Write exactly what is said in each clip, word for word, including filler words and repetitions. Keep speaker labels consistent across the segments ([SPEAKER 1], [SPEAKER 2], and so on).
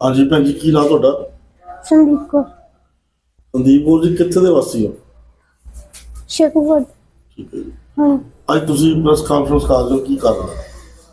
[SPEAKER 1] हाँ जी भैन जी की नाम तुहाडा?
[SPEAKER 2] संदीप कौर।
[SPEAKER 1] संदीप कौर जी कित्थे दे वासी हो?
[SPEAKER 2] शेखूपुर।
[SPEAKER 1] ठीक है जी।
[SPEAKER 2] हाँ
[SPEAKER 1] अज तुसीं प्रेस कानफ्रेंस कर रहे हो की कारण है?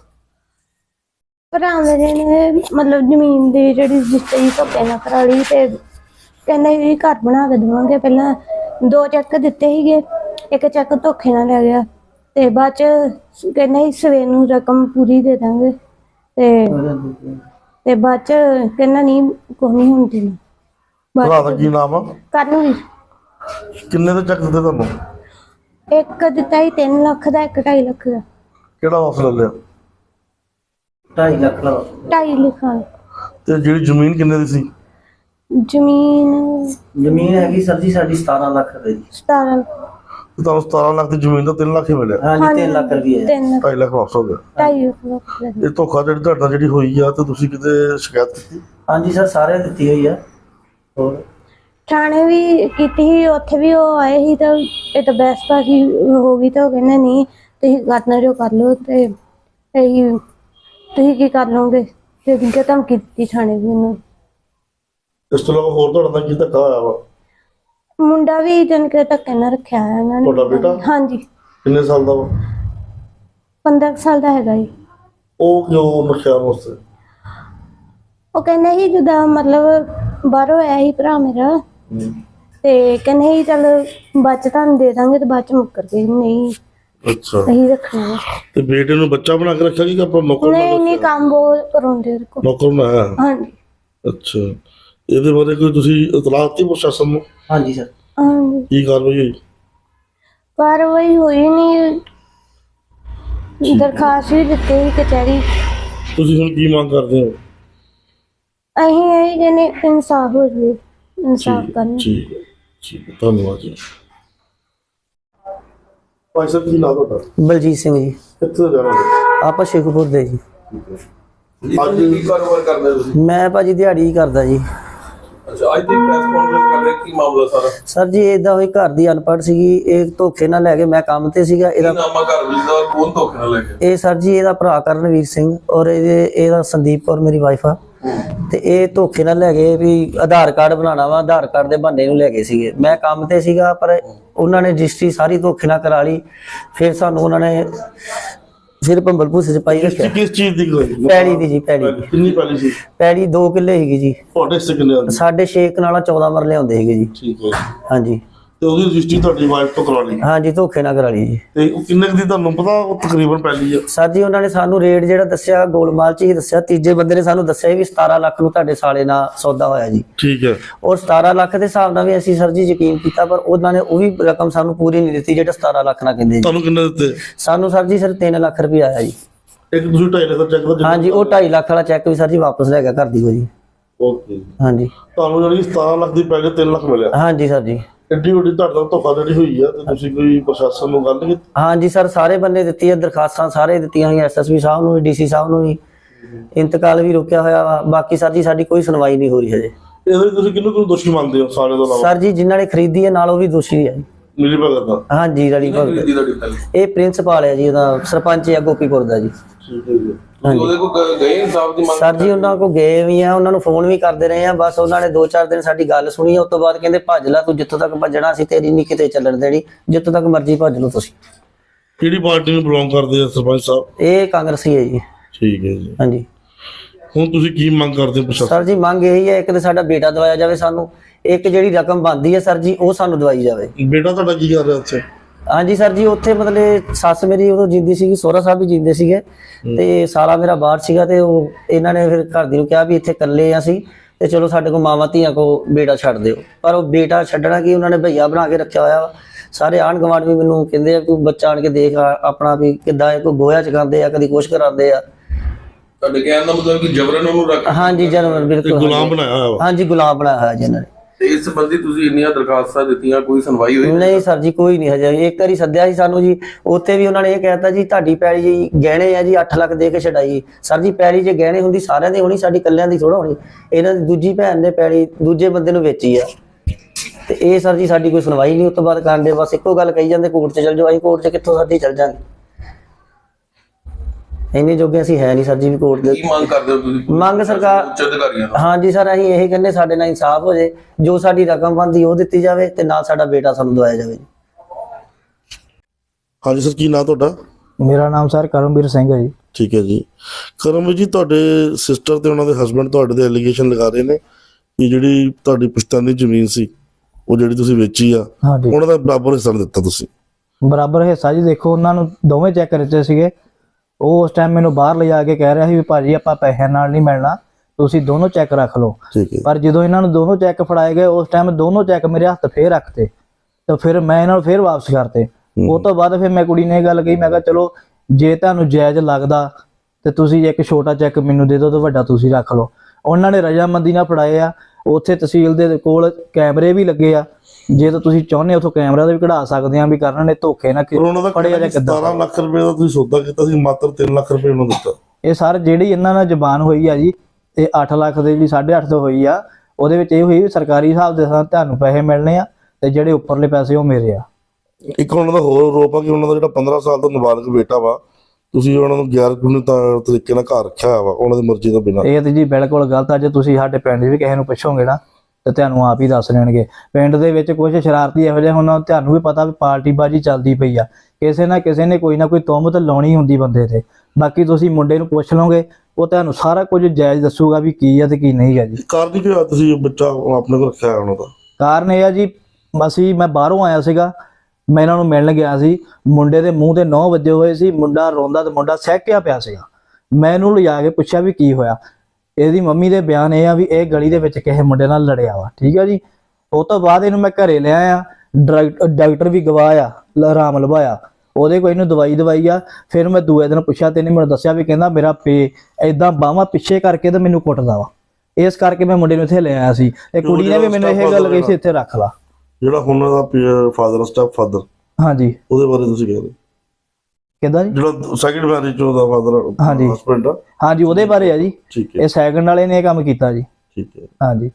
[SPEAKER 2] भरा मेरे ने मतलब जमीन की जी रजिस्ट्री धोखे ना करा ली ते कहने भी घर बना के देवांगे। पहला दो चैक दिते सीगे, एक चैक धोखे ना लै गया ते बाद च कहने सवेर नूं रकम पूरी दे देंगे ते ते बाद च कहना नहीं कुछ नहीं हुण देना।
[SPEAKER 1] भरा दा की नाम आ?
[SPEAKER 2] करनवीर।
[SPEAKER 1] किन्ने दे चेक दित्ते तुहानूं?
[SPEAKER 2] एक दिता ही तीन लाख का, एक ढाई लाख का।
[SPEAKER 1] किहड़ा वापस ले लिया?
[SPEAKER 3] ढाई लख ला
[SPEAKER 2] ढाई लिखा
[SPEAKER 1] ते जिहड़ी जमीन किन्ने दी सी?
[SPEAKER 2] जमीन
[SPEAKER 3] जमीन हैगी सर जी साडी सतारह लाख रुपए दी।
[SPEAKER 2] सतारह।
[SPEAKER 1] ते तुहानूं सतारह लाख दी जमीन दा तीन लाख ही मिलिया?
[SPEAKER 3] हाँ जी तीन लाख रुपये है।
[SPEAKER 2] तीन लाख
[SPEAKER 1] ढाई लाख वापस हो गया।
[SPEAKER 2] ढाई लाख लगे।
[SPEAKER 1] ਇਹ ਧੋਖਾਧੜੀ ਤੁਹਾਡੇ ਨਾਲ ਜਿਹੜੀ ਹੋਈ ਆ ਤੇ ਤੁਸੀਂ ਕਿਤੇ ਸ਼ਿਕਾਇਤ ਕੀਤੀ?
[SPEAKER 3] हाँ जी सर सारे दिती हुई है। और
[SPEAKER 2] थाने भी की थी, उत्थे भी वो आए ही तो ये तो बहस बाजी हो गई तो कहने नहीं तुम करना जो कर लो ते यही तुम की कर लोगे ते उनके धमकी दी थाने भी उन्होंने।
[SPEAKER 1] ਇਸ ਤੋਂ ਇਲਾਵਾ ਹੋਰ ਤੁਹਾਡਾ ਨਾਲ ਕੀ ਧੱਕਾ ਹੋਇਆ ਵਾ?
[SPEAKER 2] मुंडा भी जन के धक्के ना रखा है उन्होंने।
[SPEAKER 1] ਤੁਹਾਡਾ ਬੇਟਾ
[SPEAKER 2] हाँ जी
[SPEAKER 1] ਕਿੰਨੇ ਸਾਲ ਦਾ ਵਾ?
[SPEAKER 2] पंद्रह साल का है जी।
[SPEAKER 1] ਉਹ ਕਿਉਂ ਰੱਖਿਆ ਵਾਸਤੇ?
[SPEAKER 2] वो कहने ही जुदा मतलब बाहरों आया ही भरा मेरा ते कहने ही चल बाद च तुहानूं दे देंगे तो बाद च मुक्कर के नहीं
[SPEAKER 1] ਅੱਛਾ
[SPEAKER 2] यही रखना है।
[SPEAKER 1] ਤੇ ਬੇਟੇ ਨੂੰ ਬੱਚਾ ਬਣਾ ਕੇ ਰੱਖਿਆ ਕਿ ਆਪਾਂ ਨੌਕਰ ਬਣਾ
[SPEAKER 2] नहीं नहीं
[SPEAKER 1] ਰੱਖਿਆ?
[SPEAKER 2] काम बोल करवाउंदे उहदे कोल।
[SPEAKER 1] ਨੌਕਰ ਬਣਾਇਆ?
[SPEAKER 2] हाँ जी
[SPEAKER 1] ਅੱਛਾ ਇਹਦੇ ਬਾਰੇ ਕੋਈ ਤੁਸੀਂ ਇਤਲਾਹ ਦਿੱਤੀ ਪ੍ਰਸ਼ਾਸਨ ਨੂੰ?
[SPEAKER 3] हाँ जी सर
[SPEAKER 2] हाँ जी
[SPEAKER 1] ਕੀ ਕਾਰਵਾਈ ਹੋਈ?
[SPEAKER 2] कार्रवाई हुई नहीं, दरखास्त भी दिते ही कचहरी।
[SPEAKER 1] ਤੁਸੀਂ ਹੁਣ ਕੀ ਮੰਗ ਕਰਦੇ ਹੋ?
[SPEAKER 2] अहीं यही कहने इंसाफ हो जाए, इंसाफ करना।
[SPEAKER 1] ਠੀਕ ਹੈ ਠੀਕ ਹੈ ਧੰਨਵਾਦ ਜੀ। ਭਾਈ ਸਾਹਿਬ ਕੀ ਨਾਮ ਤੁਹਾਡਾ?
[SPEAKER 3] बलजीत सिंह जी।
[SPEAKER 1] ਕਿੱਥੇ ਦਾ ਰਹਿਣ ਵਾਲੇ?
[SPEAKER 3] आप शेखूपुर दे जी।
[SPEAKER 1] ਅੱਜ ਕੀ ਕਾਰੋਬਾਰ ਕਰਦੇ ਹੋ ਤੁਸੀਂ?
[SPEAKER 3] मैं भाजी दिहाड़ी ही करदा जी।
[SPEAKER 1] ਅੱਛਾ ਅੱਜ ਦੀ ਪ੍ਰੈਸ ਕਾਨਫਰੰਸ ਕਰ ਰਹੇ ਕੀ ਮਾਮਲਾ ਸਾਰਾ?
[SPEAKER 3] सर जी इदा होई घर दी अनपढ़ सीगी, एक धोखे ना लै गए, मैं काम ते सीगा।
[SPEAKER 1] ਕੀ
[SPEAKER 3] एदा
[SPEAKER 1] ਨਾਮਾ ਘਰ ਵਿੱਚ ਦਾ ਕੌਣ ਧੋਖੇ ਨਾਲ ਲੈ ਗਿਆ?
[SPEAKER 3] ਇਹ ਸਰ ਜੀ ਇਹਦਾ ਭਰਾ ਕਰਨਵੀਰ ਸਿੰਘ ਔਰ ਇਹਦੇ ਇਹਦਾ ਸੰਦੀਪ ਕੌਰ ਮੇਰੀ ਵਾਈਫ ਆ ਤੇ ਇਹ ਧੋਖੇ ਨਾਲ ਲੈ ਗਏ ਵੀ ਆਧਾਰ ਕਾਰਡ ਬਣਾਉਣਾ ਵਾ, ਆਧਾਰ ਕਾਰਡ ਦੇ ਬਹਾਨੇ ਨੂੰ ਲੈ ਗਏ ਸੀਗੇ। ਮੈਂ ਕੰਮ ਤੇ ਸੀਗਾ ਪਰ ਉਹਨਾਂ ਨੇ ਰਜਿਸਟਰੀ ਸਾਰੀ ਧੋਖੇ ਨਾਲ ਕਰਾ ਲਈ। ਫਿਰ ਸਾਨੂੰ ਉਹਨਾਂ ਨੇ ਫਿਰ ਭੰਬਲ ਭੂਸੇ ਚ ਪਾਈ ਰੱਖਿਆ।
[SPEAKER 1] ਕਿਸ ਚੀਜ਼ ਦੀ ਗੱਲ?
[SPEAKER 3] ਪੈੜੀ ਦੀ ਜੀ, ਪੈੜੀ ਦੀ।
[SPEAKER 1] ਕਿੰਨੀ ਪੈਲੀ ਸੀ?
[SPEAKER 3] ਪੈੜੀ ਦੋ ਕਿੱਲੇ ਸੀਗੀ ਜੀ।
[SPEAKER 1] ਤੁਹਾਡੇ ਹਿੱਸੇ ਕਿੰਨੇ ਆਉਂਦੇ?
[SPEAKER 3] ਸਾਢੇ ਛੇ ਕਨਾਲਾਂ ਚੌਦਾਂ ਮਰਲੇ ਆਉਂਦੇ ਸੀਗੇ ਜੀ।
[SPEAKER 1] ਠੀਕ ਹੈ
[SPEAKER 3] ਹਾਂਜੀ
[SPEAKER 1] ਤੇ ਉਹਦੀ ਰਜਿਸਟਰੀ ਤੁਹਾਡੀ ਵਾਈਫ ਤੋਂ ਕਰਾ ਲਈ
[SPEAKER 3] ਹਾਂਜੀ ਧੋਖੇ ਨਾਲ ਕਰਾ ਲਈ ਜੀ।
[SPEAKER 1] ਤੇ ਉਹ ਕਿੰਨੇ ਕੁ ਦੀ ਤੁਹਾਨੂੰ ਪਤਾ ਉਹ ਤਕਰੀਬਨ ਪੈਲੀ ਆ?
[SPEAKER 3] ਸਰ ਜੀ ਉਹਨਾਂ ਨੇ ਸਾਨੂੰ ਰੇਟ ਜਿਹੜਾ ਦੱਸਿਆ ਗੋਲਮਾਲ ਚ ਹੀ ਦੱਸਿਆ। ਤੀਜੇ ਬੰਦੇ ਨੇ ਸਾਨੂੰ ਦੱਸਿਆ ਵੀ ਸਤਾਰਾਂ ਲੱਖ ਨੂੰ ਤੁਹਾਡੇ ਸਾਲੇ ਨਾਲ ਸੌਦਾ ਹੋਇਆ ਜੀ।
[SPEAKER 1] ਠੀਕ ਹੈ
[SPEAKER 3] ਔਰ ਸਤਾਰਾਂ ਲੱਖ ਦੇ ਹਿਸਾਬ ਨਾਲ ਵੀ ਅਸੀਂ ਸਰ ਜੀ ਯਕੀਨ ਕੀਤਾ ਪਰ ਉਹਨਾਂ ਨੇ ਉਹ ਵੀ ਰਕਮ ਸਾਨੂੰ ਪੂਰੀ ਨਹੀਂ ਦਿੱਤੀ ਜਿਹੜਾ ਸਤਾਰਾਂ ਲੱਖ ਨਾਲ ਕਹਿੰਦੇ ਜੀ।
[SPEAKER 1] ਤੁਹਾਨੂੰ ਕਿੰਨੇ ਦਿੱਤੇ?
[SPEAKER 3] ਸਾਨੂੰ ਸਰ ਜੀ ਸਿਰ ਤਿੰਨ ਲੱਖ ਰੁਪਏ ਆਇਆ ਜੀ।
[SPEAKER 1] ਇੱਕ ਤੁਸੀਂ ਢਾਈ ਲੱਖ ਦਾ ਚੈੱਕ ਦਾ?
[SPEAKER 3] ਹਾਂਜੀ ਉਹ ਢਾਈ ਲੱਖ ਵਾਲਾ ਚੈੱਕ ਵੀ ਸਰ ਜੀ ਵਾਪਸ ਲੈ ਗਿਆ ਘਰ ਦੀ ਕੋ ਜੀ।
[SPEAKER 1] ਓਕੇ
[SPEAKER 3] ਹਾਂਜੀ
[SPEAKER 1] ਤੁਹਾਨੂੰ ਜਿਹੜੀ ਸਤਾਰਾਂ ਲੱਖ ਦੀ ਪੈਲੀ ਤਿੰਨ ਲੱਖ ਮਿਲਿਆ?
[SPEAKER 3] ਹਾਂਜੀ ਸਰ ਜੀ।
[SPEAKER 1] ਐਡੀ ਵੱਡੀ ਤੁਹਾਡੇ ਨਾਲ ਧੋਖਾਧੜੀ ਹੋਈ ਆ ਤੇ ਤੁਸੀਂ ਕੋਈ ਪ੍ਰਸ਼ਾਸਨ ਨੂੰ ਗੱਲ ਨਹੀਂ ਕੀਤੀ?
[SPEAKER 3] ਹਾਂਜੀ ਸਰ ਸਾਰੇ ਬੰਦੇ ਦਿੱਤੀ ਹੈ ਦਰਖਾਸਤਾਂ, ਸਾਰੇ ਦਿੱਤੀਆਂ ਹੋਈਆਂ, ਐਸਐਸਪੀ ਸਾਹਿਬ ਨੂੰ ਵੀ, ਡੀਸੀ ਸਾਹਿਬ ਨੂੰ ਵੀ। ਇੰਤਕਾਲ ਵੀ ਰੋਕਿਆ ਹੋਇਆ ਵਾ। ਬਾਕੀ ਸਰ ਜੀ ਸਾਡੀ ਕੋਈ ਸੁਣਵਾਈ ਨਹੀਂ ਹੋ ਰਹੀ ਹਜੇ।
[SPEAKER 1] ਇਹਦੇ ਵਿੱਚ ਤੁਸੀਂ ਕਿਹਨੂੰ ਕਿਹਨੂੰ ਦੋਸ਼ੀ ਮੰਨਦੇ ਹੋ ਸਾਰੇ ਤੋਂ ਇਲਾਵਾ?
[SPEAKER 3] ਸਰ ਜੀ ਜਿਨ੍ਹਾਂ ਨੇ ਖਰੀਦੀ ਹੈ ਨਾਲ ਉਹ ਵੀ ਦੋਸ਼ੀ ਹੈ ਜੀ।
[SPEAKER 1] ਮਿਲੀ ਭਗਤ ਦਾ?
[SPEAKER 3] ਹਾਂਜੀ ਰਲੀ ਭਗਤ।
[SPEAKER 1] ਤੁਹਾਡੀ ਪੈਲੀ?
[SPEAKER 3] ਇਹ ਪ੍ਰਿੰਸੀਪਲ ਹੈ ਜੀ, ਉਹਦਾ ਸਰਪੰਚ ਹੈ ਗੋਪੀਪੁਰ ਦਾ ਜੀ।
[SPEAKER 1] ਠੀਕ ਹੈ ਜੀ।
[SPEAKER 3] ਹਾਂਜੀ
[SPEAKER 1] ਉਹਦੇ ਕੋਲ ਗਏ ਇਨਸਾਫ ਦੀ ਮੰਗ?
[SPEAKER 3] ਸਰ ਜੀ ਉਹਨਾਂ ਕੋ ਗਏ ਵੀ ਆ, ਉਹਨਾਂ ਨੂੰ ਫੋਨ ਵੀ ਕਰਦੇ ਰਹੇ ਆ। ਬਸ ਉਹਨਾਂ ਨੇ ਦੋ ਚਾਰ ਦਿਨ ਸਾਡੀ ਗੱਲ ਸੁਣੀ, ਉਸ ਤੋਂ ਬਾਅਦ ਕਹਿੰਦੇ ਭੱਜ ਲੈ ਤੂੰ, ਜਿੱਥੋਂ ਤੱਕ ਭੱਜਣਾ ਸੀ ਤੇਰੀ ਨਹੀਂ ਕਿਤੇ ਚੱਲਣ ਦੇਣੀ, ਜਿੱਥੋਂ ਤੱਕ ਮਰਜ਼ੀ ਭੱਜ ਲਓ ਤੁਸੀਂ।
[SPEAKER 1] ਕਿਹੜੀ ਪਾਰਟੀ ਨੂੰ ਬਿਲੋਂਗ ਕਰਦੇ ਆ ਸਰਪੰਚ ਸਾਹਿਬ?
[SPEAKER 3] ਇਹ ਕਾਂਗਰਸੀ ਹੈ ਜੀ।
[SPEAKER 1] ਠੀਕ ਹੈ ਜੀ।
[SPEAKER 3] ਹਾਂਜੀ
[SPEAKER 1] ਹੁਣ ਤੁਸੀਂ ਕੀ ਮੰਗ ਕਰਦੇ ਹੋ ਪ੍ਰਸ਼ਾਸਨ?
[SPEAKER 3] ਸਰ ਜੀ ਮੰਗ ਇਹੀ ਹੈ, ਇੱਕ ਤੇ ਸਾਡਾ ਬੇਟਾ ਦਵਾਇਆ ਜਾਵੇ ਸਾਨੂੰ, ਇੱਕ ਜਿਹੜੀ ਰਕਮ ਬਣਦੀ ਹੈ ਸਰ ਜੀ ਉਹ ਸਾਨੂੰ ਦਵਾਈ ਜਾਵੇ।
[SPEAKER 1] ਬੇਟਾ ਤੁਹਾਡਾ ਕੀ ਕਰ ਰਿਹਾ ਉੱਥੇ?
[SPEAKER 3] ਹਾਂਜੀ ਸਰ ਜੀ ਉੱਥੇ ਮਤਲਬ ਸੱਸ ਮੇਰੀ ਉਦੋਂ ਜਿੰਦੀ ਸੀਗੀ, ਸਹੁਰਾ ਸਾਹਿਬ ਵੀ ਜਿੰਦੇ ਸੀਗੇ ਤੇ ਸਾਲਾ ਮੇਰਾ ਬਾਹਰ ਸੀਗਾ ਤੇ ਉਹ ਇਹਨਾਂ ਨੇ ਫਿਰ ਘਰ ਦੀ ਨੂੰ ਕਿਹਾ ਵੀ ਇੱਥੇ ਇਕੱਲੇ ਆ ਅਸੀਂ ਤੇ ਚਲੋ ਸਾਡੇ ਕੋਲ ਮਾਵਾਂ ਧੀਆਂ ਕੋ ਬੇਟਾ ਛੱਡ ਦਿਓ। ਪਰ ਉਹ ਬੇਟਾ ਛੱਡਣਾ ਕੀ, ਉਹਨਾਂ ਨੇ ਭਈਆ ਬਣਾ ਕੇ ਰੱਖਿਆ ਹੋਇਆ ਵਾ। ਸਾਰੇ ਆਂਢ ਗੁਆਂਢ ਵੀ ਮੈਨੂੰ ਕਹਿੰਦੇ ਆ ਤੂੰ ਬੱਚਾ ਆਣ ਕੇ ਦੇਖ ਆਪਣਾ ਵੀ ਕਿੱਦਾਂ ਇਹ ਕੋਈ ਗੋਇਆ ਚਕਾਉਂਦੇ ਆ, ਕਦੀ ਕੁਛ ਕਰਾਉਂਦੇ ਆ।
[SPEAKER 1] ਤੁਹਾਡੇ ਕਹਿਣ ਦਾ ਮਤਲਬ ਕਿ ਜਬਰਨ ਉਹਨੂੰ ਰੱਖ?
[SPEAKER 3] ਹਾਂਜੀ ਜਨਮ ਬਿਲਕੁਲ
[SPEAKER 1] ਗੁਲਾਮ ਬਣਾਇਆ ਹੋਇਆ ਵਾ?
[SPEAKER 3] ਹਾਂਜੀ ਗੁਲਾਮ ਬਣਾਇਆ ਹੋਇਆ ਜੀ ਇਹਨਾਂ ਨੇ।
[SPEAKER 1] ਤੇ ਇਸ ਸੰਬੰਧੀ ਤੁਸੀਂ ਇੰਨੀਆਂ ਦਰਖਾਸਤਾਂ ਦਿੱਤੀਆਂ, ਕੋਈ ਸੁਣਵਾਈ ਹੋਈ
[SPEAKER 3] ਨਹੀਂ ਸਰ ਜੀ ਕੋਈ ਨਹੀਂ ਹਜੇ। ਇੱਕ ਵਾਰੀ ਸੱਦਿਆ ਸੀ ਸਾਨੂੰ ਜੀ, ਉੱਥੇ ਵੀ ਉਹਨਾਂ ਨੇ ਇਹ ਕਹਿਤਾ ਜੀ ਤੁਹਾਡੀ ਪੈਲੀ ਜੀ ਗਹਿਣੇ ਆ ਜੀ ਅੱਠ ਲੱਖ ਦੇ ਕੇ ਛਡਾਈ। ਸਰ ਜੀ ਪੈਲੀ ਜੇ ਗਹਿਣੇ ਹੁੰਦੀ ਸਾਰਿਆਂ ਦੀ ਹੋਣੀ, ਸਾਡੀ ਕੱਲਿਆਂ ਦੀ ਥੋੜਾ ਹੋਣੀ। ਇਹਨਾਂ ਦੀ ਦੂਜੀ ਭੈਣ ਨੇ ਪੈਲੀ ਦੂਜੇ ਬੰਦੇ ਨੂੰ ਵੇਚੀ ਆ ਤੇ ਇਹ ਸਰ ਜੀ ਸਾਡੀ ਕੋਈ ਸੁਣਵਾਈ ਨਹੀਂ ਉਸ ਤੋਂ ਬਾਅਦ ਕਰਨ ਦੇ। ਬਸ ਇੱਕੋ ਗੱਲ ਕਹੀ ਜਾਂਦੇ ਕੋਰਟ 'ਚ ਚਲ ਜਾਓ। ਅਸੀਂ ਕੋਰਟ 'ਚ ਕਿੱਥੋਂ ਸਰ ਜੀ ਚਲ ਜਾਂਗੇ। ਇੰਨੇ ਜੋਗੇ ਅਸੀਂ ਹੈ ਨਹੀਂ ਸਰ ਜੀ ਵੀ ਕੋਰਟ ਦੇ
[SPEAKER 4] ਕੀ ਮੰਗ ਕਰਦੇ ਹੋ ਤੁਸੀਂ
[SPEAKER 3] ਮੰਗ ਸਰਕਾਰ
[SPEAKER 4] ਉੱਚ ਅਧਿਕਾਰੀਆਂ ਤੋਂ?
[SPEAKER 3] ਹਾਂਜੀ ਸਰ ਅਸੀਂ ਇਹ ਕਹਿੰਦੇ ਸਾਡੇ ਨਾਲ ਇਨਸਾਫ ਹੋ ਜੇ, ਜੋ ਸਾਡੀ ਰਕਮ ਬਣਦੀ ਉਹ ਦਿੱਤੀ ਜਾਵੇ ਤੇ ਨਾਲ ਸਾਡਾ ਬੇਟਾ ਸਾਨੂੰ ਦਵਾਇਆ ਜਾਵੇ ਜੀ।
[SPEAKER 1] ਹਾਂਜੀ ਸਰ, ਕੀ ਨਾਂ ਤੁਹਾਡਾ?
[SPEAKER 5] ਮੇਰਾ ਨਾਮ ਸਰ ਕਰਮਵੀਰ ਸਿੰਘ ਹੈ ਜੀ।
[SPEAKER 1] ਠੀਕ ਹੈ ਜੀ। ਕਰਮਵੀਰ ਜੀ, ਤੁਹਾਡੇ ਸਿਸਟਰ ਤੇ ਉਹਨਾਂ ਦੇ ਹਸਬੰਡ ਤੁਹਾਡੇ ਤੇ ਐਲੀਗੇਸ਼ਨ ਲਗਾ ਰਹੇ ਨੇ ਕਿ ਜਿਹੜੀ ਤੁਹਾਡੀ ਪੁਸ਼ਤਾਨੀ ਜ਼ਮੀਨ ਸੀ ਉਹ ਜਿਹੜੀ ਤੁਸੀਂ ਵੇਚੀ ਆ,
[SPEAKER 5] ਹਾਂਜੀ,
[SPEAKER 1] ਉਹਨਾਂ ਦਾ ਬਰਾਬਰ ਹਿੱਸਾ ਨਹੀਂ ਦਿੱਤਾ ਤੁਸੀਂ।
[SPEAKER 5] ਬਰਾਬਰ ਹਿੱਸਾ ਜੀ। ਦੇਖੋ ਉਹਨਾਂ ਨੂੰ ਦੋਵੇਂ ਚੈੱਕ ਦਿੱਤੇ ਸੀਗੇ। ਉਹ ਉਸ ਟਾਈਮ ਮੈਨੂੰ ਬਾਹਰ ਲਿਜਾ ਕੇ ਕਹਿ ਰਿਹਾ ਸੀ ਵੀ ਭਾਜੀ ਆਪਾਂ ਪੈਸਿਆਂ ਨਾਲ ਨਹੀਂ ਮਿਲਣਾ, ਤੁਸੀਂ ਦੋਨੋਂ ਚੈੱਕ ਰੱਖ ਲਓ।
[SPEAKER 1] ਠੀਕ ਹੈ।
[SPEAKER 5] ਪਰ ਜਦੋਂ ਇਹਨਾਂ ਨੂੰ ਦੋਨੋਂ ਚੈੱਕ ਫੜਾਏ ਗਏ ਉਸ ਟਾਈਮ ਦੋਨੋਂ ਚੈੱਕ ਮੇਰੇ ਹੱਥ ਫੇਰ ਰੱਖਤੇ ਤੇ ਫਿਰ ਮੈਂ ਇਹਨਾਂ ਨੂੰ ਫੇਰ ਵਾਪਸ ਕਰਤੇ। ਉਹ ਤੋਂ ਬਾਅਦ ਫਿਰ ਮੈਂ ਕੁੜੀ ਨੇ ਇਹ ਗੱਲ ਕਹੀ, ਮੈਂ ਕਿਹਾ ਚਲੋ ਜੇ ਤੁਹਾਨੂੰ ਜਾਇਜ਼ ਲੱਗਦਾ ਤੇ ਤੁਸੀਂ ਇੱਕ ਛੋਟਾ ਚੈੱਕ ਮੈਨੂੰ ਦੇ ਦਿਓ ਤੇ ਵੱਡਾ ਤੁਸੀਂ ਰੱਖ ਲਓ। ਉਹਨਾਂ ਨੇ ਰਜਾਮੰਦੀ ਨਾਲ ਫੜਾਏ ਆ। ਉੱਥੇ ਤਹਿਸੀਲ ਦੇ ਕੋਲ ਕੈਮਰੇ ਵੀ ਲੱਗੇ ਆ, ਜੇ ਤਾਂ ਤੁਸੀਂ ਚਾਹੁੰਦੇ ਹੋ ਤਾਂ ਕੈਮਰਾ ਦਾ ਵੀ ਕਢਾ ਸਕਦੇ ਆ ਵੀ ਕਰਨ ਨੇ ਧੋਖੇ ਨਾ
[SPEAKER 1] ਪਰ ਉਹਨਾਂ ਦਾ
[SPEAKER 5] ਫੜਿਆ ਜਾਂ ਕਿੱਦਾਂ।
[SPEAKER 1] ਸਤਾਰਾਂ ਲੱਖ ਰੁਪਏ ਦਾ ਤੁਸੀਂ ਸੌਦਾ ਕੀਤਾ ਸੀ, ਮਾਤਰ ਤਿੰਨ ਲੱਖ ਰੁਪਏ ਉਹਨੂੰ ਦਿੱਤਾ।
[SPEAKER 5] ਇਹ ਸਰ ਜਿਹੜੀ ਇਹਨਾਂ ਨਾਲ ਜ਼ਬਾਨ ਹੋਈ ਆ ਜੀ, ਇਹ ਅੱਠ ਲੱਖ ਦੇ ਜੀ ਸਾਢੇ ਅੱਠ ਤੋਂ ਹੋਈ ਆ। ਉਹਦੇ ਵਿੱਚ ਇਹ ਹੋਈ ਵੀ ਸਰਕਾਰੀ ਹਿਸਾਬ ਦੇ ਨਾਲ ਤੁਹਾਨੂੰ ਪੈਸੇ ਮਿਲਣੇ ਆ ਤੇ ਜਿਹੜੇ ਉੱਪਰਲੇ ਪੈਸੇ ਉਹ ਮੇਰੇ ਆ।
[SPEAKER 1] ਇੱਕ ਉਹਨਾਂ ਦਾ ਹੋਰ ਆਰੋਪ ਆ ਕਿ ਉਹਨਾਂ ਦਾ ਜਿਹੜਾ ਪੰਦਰਾਂ ਸਾਲ ਦਾ ਨਾਬਾਲਗ ਬੇਟਾ ਵਾ, ਤੁਸੀਂ ਉਹਨਾਂ ਨੂੰ ਗੈਰ ਕਾਨੂੰਨੀ ਤਾਂ ਤਰੀਕੇ ਨਾਲ ਘਰ ਰੱਖਿਆ ਹੋਇਆ ਵਾ ਉਹਨਾਂ ਦੀ ਮਰਜ਼ੀ ਤੋਂ ਬਿਨਾਂ।
[SPEAKER 5] ਇਹ ਤੇ ਜੀ ਬਿਲਕੁਲ ਗਲਤ ਆ। ਜੇ ਤੁਸੀਂ ਸਾਡੇ ਪਿੰਡ ਵੀ ਕਿਸੇ ਨੂੰ ਪੁੱਛੋਗੇ ਨਾ ਤੇ ਤੁਹਾਨੂੰ ਆਪ ਹੀ ਦੱਸ ਦੇਣਗੇ। ਪਿੰਡ ਦੇ ਵਿੱਚ ਕੁਝ ਸ਼ਰਾਰਤੀ ਇਹੋ ਜਿਹੇ ਹੁਣ ਤੁਹਾਨੂੰ ਵੀ ਪਤਾ ਵੀ ਪਾਰਟੀਬਾਜ਼ੀ ਚੱਲਦੀ ਪਈ ਆ, ਕਿਸੇ ਨਾ ਕਿਸੇ ਨੇ ਕੋਈ ਨਾ ਕੋਈ ਤੁਹਮਤ ਲਾਉਣੀ ਹੁੰਦੀ ਬੰਦੇ ਤੇ। ਬਾਕੀ ਤੁਸੀਂ ਮੁੰਡੇ ਨੂੰ ਪੁੱਛ ਲਓਗੇ, ਉਹ ਤੁਹਾਨੂੰ ਸਾਰਾ ਕੁਝ ਜਾਇਜ਼ ਦੱਸੂਗਾ ਵੀ ਕੀ ਆ ਤੇ ਕੀ ਨਹੀਂ ਆ ਜੀ।
[SPEAKER 1] ਕਾਰਨ ਕੀ ਹੋਇਆ ਤੁਸੀਂ ਬੱਚਾ ਆਪਣੇ ਕੋਲ ਰੱਖਿਆ ਉਹਨਾਂ ਦਾ?
[SPEAKER 5] ਕਾਰਨ ਇਹ ਆ ਜੀ, ਅਸੀਂ ਮੈਂ ਬਾਹਰੋਂ ਆਇਆ ਸੀਗਾ, ਮੈਂ ਇਹਨਾਂ ਨੂੰ ਮਿਲਣ ਗਿਆ ਸੀ। ਮੁੰਡੇ ਦੇ ਮੂੰਹ ਤੇ ਨੌ ਵੱਜੇ ਹੋਏ ਸੀ, ਮੁੰਡਾ ਰੋਂਦਾ ਤੇ ਮੁੰਡਾ ਸਹਿਕਿਆ ਪਿਆ ਸੀਗਾ। ਮੈਂ ਇਹਨੂੰ ਲਿਜਾ ਕੇ ਪੁੱਛਿਆ ਵੀ ਕੀ ਹੋਇਆ। ਇਹਦੀ ਮੰਮੀ ਦੇ ਬਿਆਨ ਇਹ ਆ ਵੀ ਇਹ ਗਲੀ ਦੇ ਵਿੱਚ ਕਿਸੇ ਮੁੰਡੇ ਨਾਲ ਲੜਿਆ ਵਾ। ਠੀਕ ਆ ਜੀ। ਉਹ ਤੋਂ ਬਾਅਦ ਇਹਨੂੰ ਮੈਂ ਘਰੇ ਲਿਆ ਆ, ਡਾਕਟਰ ਵੀ ਗਵਾਇਆ, ਆਰਾਮ ਲਵਾਇਆ, ਉਹਦੇ ਕੋਈ ਇਹਨੂੰ ਦਵਾਈ ਦਵਾਈ ਆ। ਫਿਰ ਮੈਂ ਦੂਏ ਦਿਨ ਪੁੱਛਿਆ ਤੇ ਇਹਨੇ ਮੈਨੂੰ ਦੱਸਿਆ ਵੀ ਕਹਿੰਦਾ ਮੇਰਾ ਪੇ ਏਦਾਂ ਬਾਹਾਂ ਪਿੱਛੇ ਕਰਕੇ ਤੇ ਮੈਨੂੰ ਕੁੱਟਦਾ ਵਾ। ਇਸ ਕਰਕੇ ਮੈਂ ਮੁੰਡੇ ਨੂੰ ਇੱਥੇ ਲੈ ਆਇਆ ਸੀ। ਇਹ ਕੁੜੀ ਨੇ ਵੀ ਮੈਨੂੰ ਇਹ ਗੱਲ ਕਹੀ ਸੀ ਇੱਥੇ ਰੱਖ ਲਾ।
[SPEAKER 1] ਜਿਹੜਾ ਹੁਣ ਦਾ ਫਾਦਰ ਸਟੈਪ ਫਾਦਰ,
[SPEAKER 5] ਹਾਂਜੀ,
[SPEAKER 1] ਉਹਦੇ ਬਾਰੇ ਤੁਸੀਂ ਕਹਿ ਰਹੇ
[SPEAKER 5] ਕਿੱਦਾਂ ਜੀ?
[SPEAKER 1] ਜਿਹੜਾ ਸੈਕਿੰਡ ਮੈਰਿਜ ਉਹਦਾ ਫਾਦਰ
[SPEAKER 5] ਹਾਂਜੀ
[SPEAKER 1] ਹਸਬੰਡ ਆ?
[SPEAKER 5] ਹਾਂਜੀ, ਉਹਦੇ ਬਾਰੇ ਆ ਜੀ।
[SPEAKER 1] ਠੀਕ ਹੈ,
[SPEAKER 5] ਇਹ ਸੈਕਿੰਡ ਵਾਲੇ ਨੇ ਇਹ ਕੰਮ ਕੀਤਾ ਜੀ।
[SPEAKER 1] ਠੀਕ ਹੈ।
[SPEAKER 5] ਹਾਂਜੀ,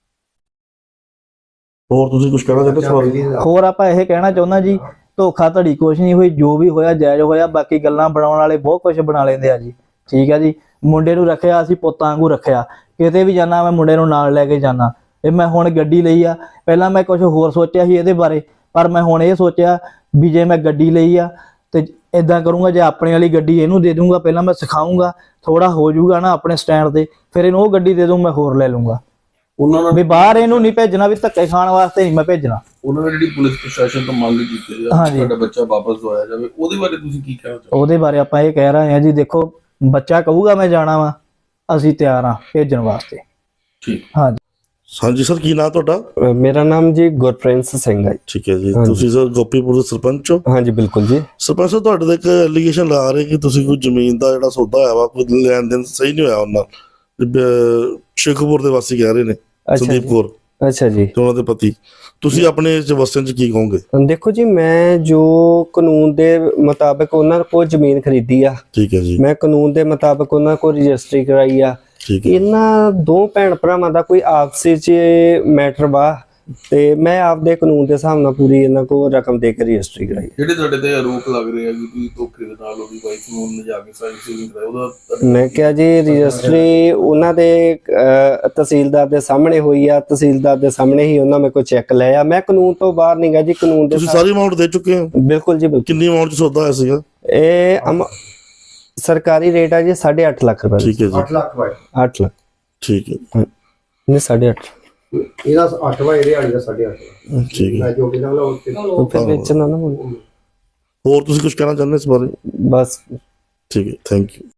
[SPEAKER 1] ਹੋਰ ਤੁਸੀਂ ਕੁਝ ਕਹਿਣਾ ਚਾਹੁੰਦੇ ਸਵਾਲ?
[SPEAKER 5] ਹੋਰ ਆਪਾਂ ਇਹ ਕਹਿਣਾ ਚਾਹੁੰਦਾ ਜੀ, ਧੋਖਾ ਧੜੀ ਕੁਛ ਨਹੀਂ ਹੋਈ, ਜੋ ਵੀ ਹੋਇਆ ਜਾਇਜ਼ ਹੋਇਆ। ਬਾਕੀ ਗੱਲਾਂ ਬਣਾਉਣ ਵਾਲੇ ਬਹੁਤ ਕੁਝ ਬਣਾ ਲੈਂਦੇ ਆ ਜੀ। ਠੀਕ ਆ ਜੀ। ਮੁੰਡੇ ਨੂੰ ਰੱਖਿਆ ਅਸੀਂ ਪੁੱਤਾਂ ਵਾਂਗੂ ਰੱਖਿਆ। ਕਿਤੇ ਵੀ ਜਾਣਾ ਮੈਂ ਮੁੰਡੇ ਨੂੰ ਨਾਲ ਲੈ ਕੇ ਜਾਣਾ। ਇਹ ਮੈਂ ਹੁਣ ਗੱਡੀ ਲਈ ਆ, ਪਹਿਲਾਂ ਮੈਂ ਕੁਝ ਹੋਰ ਸੋਚਿਆ ਸੀ ਇਹਦੇ ਬਾਰੇ, ਪਰ ਮੈਂ ਹੁਣ ਇਹ ਸੋਚਿਆ ਵੀ ਜੇ ਮੈਂ ਗੱਡੀ ਲਈ ਆ ਤੇ ਇਦਾਂ ਕਰੂੰਗਾ, ਜੇ ਆਪਣੇ ਵਾਲੀ ਗੱਡੀ ਇਹਨੂੰ ਦੇ ਦੂੰਗਾ, ਪਹਿਲਾਂ ਮੈਂ ਸਿਖਾਉਂਗਾ, ਥੋੜਾ ਹੋ ਜਾਊਗਾ ਨਾ ਆਪਣੇ ਸਟੈਂਡ ਤੇ, ਫਿਰ ਇਹਨੂੰ ਉਹ ਗੱਡੀ ਦੇ ਦੂੰ, ਮੈਂ ਹੋਰ ਲੈ ਲੂੰਗਾ।
[SPEAKER 4] ਉਹਨਾਂ ਨਾਲ
[SPEAKER 5] ਵੀ ਬਾਹਰ ਇਹਨੂੰ ਨਹੀਂ ਭੇਜਣਾ, ਵੀ ਧੱਕੇ ਖਾਣ ਵਾਸਤੇ ਨਹੀਂ ਮੈਂ ਭੇਜਣਾ।
[SPEAKER 4] ਉਹਨਾਂ ਨੇ ਜਿਹੜੀ ਪੁਲਿਸ ਪ੍ਰਸ਼ਾਸਨ ਤੋਂ ਮੰਗ ਕੀਤੀ ਹੈ
[SPEAKER 5] ਹਾਂਜੀ।
[SPEAKER 4] ਤੁਹਾਡਾ ਬੱਚਾ ਵਾਪਸ ਦਵਾਇਆ ਜਾਵੇ, ਉਹਦੇ ਬਾਰੇ ਤੁਸੀਂ ਕੀ ਕਹਿਣਾ ਚਾਹੋਗੇ?
[SPEAKER 5] ਉਹਦੇ ਬਾਰੇ ਆਪਾਂ ਇਹ ਕਹਿ ਰਹੇ ਹਾਂ ਜੀ, ਦੇਖੋ ਬੱਚਾ ਕਹੂਗਾ ਮੈਂ ਜਾਣਾ ਵਾ, ਅਸੀਂ ਤਿਆਰ ਹਾਂ ਭੇਜਣ ਵਾਸਤੇ।
[SPEAKER 4] ਠੀਕ।
[SPEAKER 5] ਹਾਂਜੀ
[SPEAKER 1] ਹਾਂਜੀ ਸਰ, ਕੀ ਨਾਂ ਤੁਹਾਡਾ?
[SPEAKER 6] ਅ, ਮੇਰਾ ਨਾਮ ਜੀ ਗੁਰਪ੍ਰਿੰਸ ਸਿੰਘ ਹੈ।
[SPEAKER 1] ਠੀਕ ਹੈ ਜੀ।
[SPEAKER 6] ਹਾਂਜੀ।
[SPEAKER 1] ਤੁਸੀਂ ਸਰ ਗੋਪੀਪੁਰ ਦੇ ਸਰਪੰਚ ਹੋ?
[SPEAKER 6] ਹਾਂਜੀ ਬਿਲਕੁਲ ਜੀ।
[SPEAKER 1] ਸਰਪੰਚ ਸਾਹਿਬ, ਤੁਹਾਡੇ ਤੇ ਇੱਕ ਐਲੀਗੇਸ਼ਨ ਲਾ ਰਹੇ ਕਿ ਤੁਸੀਂ ਕੋਈ ਜ਼ਮੀਨ ਦਾ ਜਿਹੜਾ ਸੌਦਾ ਹੋਇਆ ਵਾ, ਕੋਈ ਲੈਣ ਦੇਣ ਸਹੀ ਨਹੀਂ ਹੋਇਆ ਉਹਨਾਂ ਨਾਲ। ਸ਼ੇਖੂਪੁਰ ਦੇ ਵਾਸੀ ਕਹਿ ਰਹੇ ਨੇ,
[SPEAKER 6] ਅੱਛਾ
[SPEAKER 1] ਸੰਦੀਪ
[SPEAKER 6] ਜੀ।
[SPEAKER 1] ਕੌਰ
[SPEAKER 6] ਅੱਛਾ ਜੀ।
[SPEAKER 1] ਤੇ ਉਹਨਾਂ ਦੇ ਪਤੀ। ਤੁਸੀਂ ਆਪਣੇ ਇਸ ਵਸਨ ਚ ਕੀ ਕਹੋਗੇ?
[SPEAKER 6] ਦੇਖੋ ਜੀ, ਮੈਂ ਜੋ ਕਾਨੂੰਨ ਦੇ ਮੁਤਾਬਕ ਉਹਨਾਂ ਕੋਲ ਜ਼ਮੀਨ ਖਰੀਦੀ ਆ,
[SPEAKER 1] ਠੀਕ ਹੈ ਜੀ।
[SPEAKER 6] ਮੈਂ ਕਾਨੂੰਨ ਦੇ ਮੁਤਾਬਕ ਉਹਨਾਂ ਕੋਲ ਰਜਿਸਟਰੀ ਕਰਾਈ ਆ।
[SPEAKER 1] ਠੀਕ ਹੈ।
[SPEAKER 6] ਇਹਨਾਂ ਦੋ ਭੈਣ ਭਰਾਵਾਂ ਦਾ ਕੋਈ ਆਪਸੀ ਚ ਮੈਟਰ ਵਾ ਤੇ ਮੈਂ ਆਪਦੇ ਕਾਨੂੰਨ ਦੇ ਹਿਸਾਬ ਨਾਲ ਪੂਰੀ ਇਹਨਾਂ ਕੋਲ ਰਕਮ ਦੇ ਕੇ ਰਜਿਸਟਰੀ ਕਰਾਈ।
[SPEAKER 4] ਜਿਹੜੇ ਤੁਹਾਡੇ ਤੇ ਆਰੋਪ ਲੱਗ ਰਹੇ ਆ ਕਿ ਤੁਸੀਂ ਧੋਖੇ ਦੇ ਨਾਲ ਉਹਦੀ ਵਾਈਫ ਨੂੰ ਲਿਜਾ ਕੇ ਸਾਈਨ ਸੀਲਿੰਗ ਕਰਾਇਆ, ਉਹਦਾ
[SPEAKER 6] ਮੈਂ ਕਿਹਾ ਜੀ ਰਜਿਸਟਰੀ ਉਹਨਾਂ ਦੇ ਅਹ, ਤਹਿਸੀਲਦਾਰ ਦੇ ਸਾਹਮਣੇ ਹੋਈ ਆ। ਤਹਿਸੀਲਦਾਰ ਦੇ ਸਾਹਮਣੇ ਹੀ ਉਹਨਾਂ ਮੇਰੇ ਕੋਲ ਚੈੱਕ ਲਿਆ। ਮੈਂ ਕਾਨੂੰਨ ਤੋਂ ਬਾਹਰ ਨਹੀਂ ਗਾ ਜੀ, ਕਾਨੂੰਨ ਦੇ
[SPEAKER 1] ਤੁਸੀਂ ਸਾਰੀ ਅਮਾਉਂਟ ਦੇ ਚੁੱਕੇ ਹੋ?
[SPEAKER 6] ਬਿਲਕੁਲ ਜੀ ਬਿਲਕੁਲ।
[SPEAKER 1] ਕਿੰਨੀ ਅਮਾਉਂਟ ਚ ਸੌਦਾ ਹੋਇਆ ਸੀਗਾ?
[SPEAKER 6] ਇਹ ਅਮ- ਸਰਕਾਰੀ ਰੇਟ ਆ ਜੀ ਸਾਢੇ ਅੱਠ ਲੱਖ ਰੁਪਏ।
[SPEAKER 1] ਠੀਕ ਹੈ ਜੀ।
[SPEAKER 7] ਅੱਠ ਲੱਖ ਵਾਏ
[SPEAKER 6] ਅੱਠ ਲੱਖ
[SPEAKER 1] ਠੀਕ ਹੈ।
[SPEAKER 6] ਨਹੀਂ ਸਾਢੇ ਅੱਠ।
[SPEAKER 7] ਇਹਦਾ ਅੱਠ ਵਾਏ ਇਹਦੇ ਵਾਲੀ ਦਾ ਸਾਢੇ ਅੱਠ।
[SPEAKER 1] ਠੀਕ ਹੈ।
[SPEAKER 7] ਮੈਂ ਜੋ ਕਿਹਾ ਉਹ ਉੱਤੇ
[SPEAKER 6] ਉਹ ਫਿਰ ਵੇਚਣਾ ਨਾ ਮੈਨੂੰ।
[SPEAKER 1] ਹੋਰ ਤੁਸੀਂ ਕੁਝ ਕਹਿਣਾ ਚਾਹੁੰਦੇ ਇਸ ਬਾਰੇ?
[SPEAKER 6] ਬਸ
[SPEAKER 1] ਠੀਕ ਹੈ, ਥੈਂਕ ਯੂ।